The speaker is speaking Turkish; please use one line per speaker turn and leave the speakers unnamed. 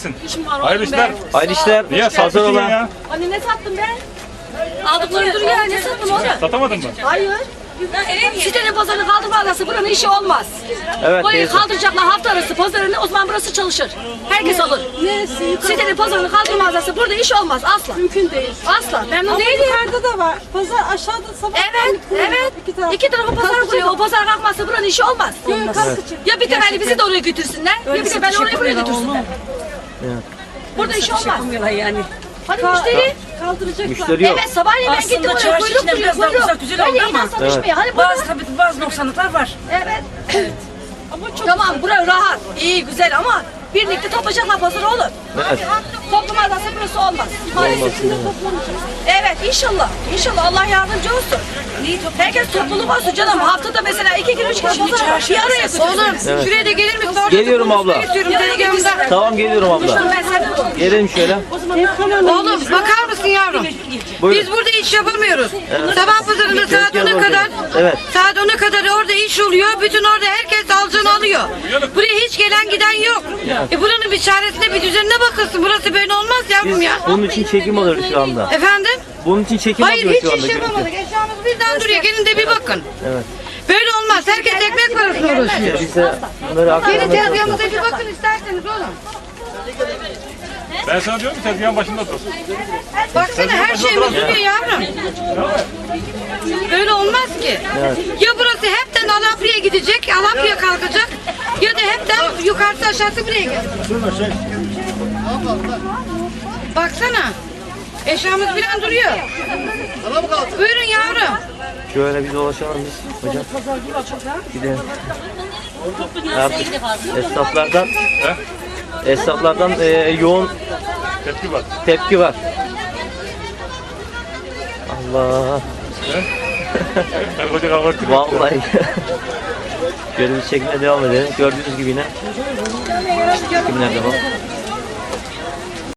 gelsin.
İşim var
Hayırlı
oğlum
işler.
be.
Hayırlı işler.
Niye
Pazar
satmışsın
olan.
ya?
Anne ne sattım ben? Aldıkları duruyor ya, ne sattım oğlum?
Satamadın mı?
Hayır. Sitenin pazarını kaldırmazlarsa buranın işi olmaz.
Evet
Burayı
teyze.
kaldıracaklar hafta arası pazarını, o zaman burası çalışır. Herkes alır. Sitenin pazarını kaldırmazlarsa burada iş olmaz asla.
Mümkün değil.
Asla. Memnun
Ama
değilim.
yukarıda da var. Pazar aşağıda sabah.
Evet, evet. İki tarafı pazar kuruyor. O pazar kalkmazsa buranın işi olmaz. Ya bir temelli bizi de oraya götürsünler, ya bir de ben oraya buraya götürsünler. Burada iş olmaz.
Yani.
Hani müşteri?
Kaldıracaklar.
Müşteri yok.
Evet, sabahleyin ben gittim
Aslında
oraya,
çarşı
kuyruk
içinde
duruyor,
biraz daha
kuyruk.
uzak, güzel
Öyle
oldu ama.
insan çalışmıyor. Hani burada,
Bazı noksanlıklar var.
evet. Tamam, bura rahat, iyi, güzel ama birlikte toplayacaklar pazarı olur.
Evet.
Toplamazlarsa burası olmaz. Maalesef. Evet, inşallah. İnşallah Allah yardımcı olsun. Herkes topluluk olsun canım. Haftada mesela 2 gün 3 gün pazar bir araya götürsün. Oğlum, şuraya da gelir misin?
Geliyorum abla.
Ben
Tamam geliyorum abla. Gelelim şöyle.
Oğlum bakar mısın yavrum?
Buyurun.
Biz burada iş yapamıyoruz. Sabah pazarında saat 10'a kadar,
Evet.
saat 10'a kadar orada iş oluyor. Bütün orada herkes alacağını alıyor. Buraya hiç gelen giden yok. Buranın bir çaresine, bir düzenine bakılsın. Burası böyle olmaz yavrum ya.
Bunun için çekim alıyoruz şu anda.
Efendim?
Bunun için çekim
Hayır
alıyoruz
hiç
şu anda.
iş yapamadık. Eşyamız birden duruyor. Gelin de bir bakın.
Evet.
Böyle olmaz. Herkes ekmek parasına uğraşıyor.
Biz de bunları
Gelin
aktarmaya çalışıyoruz.
tezgahımıza bir bakın isterseniz oğlum.
Ben sana diyorum ki tezgahın başında dur.
Baksana her şeyimiz duruyor yavrum. Böyle olmaz ki. Ya burası hepten Alapra'ya gidecek, Alapra'ya kalkacak. Ya da hepten yukarısı aşağısı buraya gelecek. Baksana. Eşyamız falan duruyor. Buyurun yavrum.
Şöyle bir dolaşalım biz hocam. Gidelim. Artık esnaflardan yoğun
Tepki var.
tepki var. Allah.
Ben koca kavga ettim.
Vallahi. Şöyle bir çekmeye devam edelim. Gördüğünüz gibi yine çekimler de var.